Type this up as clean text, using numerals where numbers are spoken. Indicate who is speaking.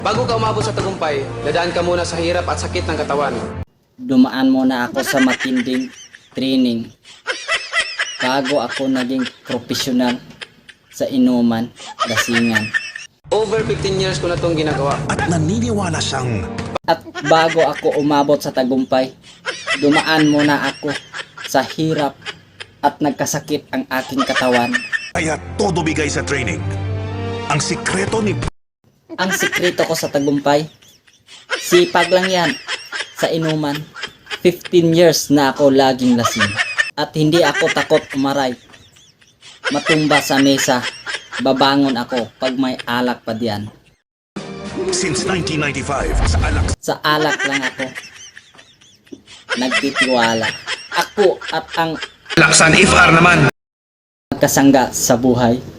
Speaker 1: Bago ka umabot sa tagumpay, dadaan ka muna sa hirap at sakit ng katawan.
Speaker 2: Dumaan muna ako sa matinding training bago ako naging profesional sa inuman, lasingan.
Speaker 1: Over 15 years ko na itong ginagawa.
Speaker 3: At naniniwala siyang
Speaker 2: At bago ako umabot sa tagumpay, dumaan muna ako sa hirap at nagkasakit ang aking katawan.
Speaker 3: kaya todo bigay sa training. Ang sikreto ni
Speaker 2: Ang sikreto ko sa tagumpay, sipag lang yan sa inuman. 15 years na ako laging lasing at hindi ako takot umaray. Matumba sa mesa, babangon ako pag may alak pa diyan.
Speaker 3: since 1995 sa alak
Speaker 2: Sa alak lang ako nagtitiwala. Ako at ang
Speaker 3: Laksan FR naman.
Speaker 2: kasangga sa buhay.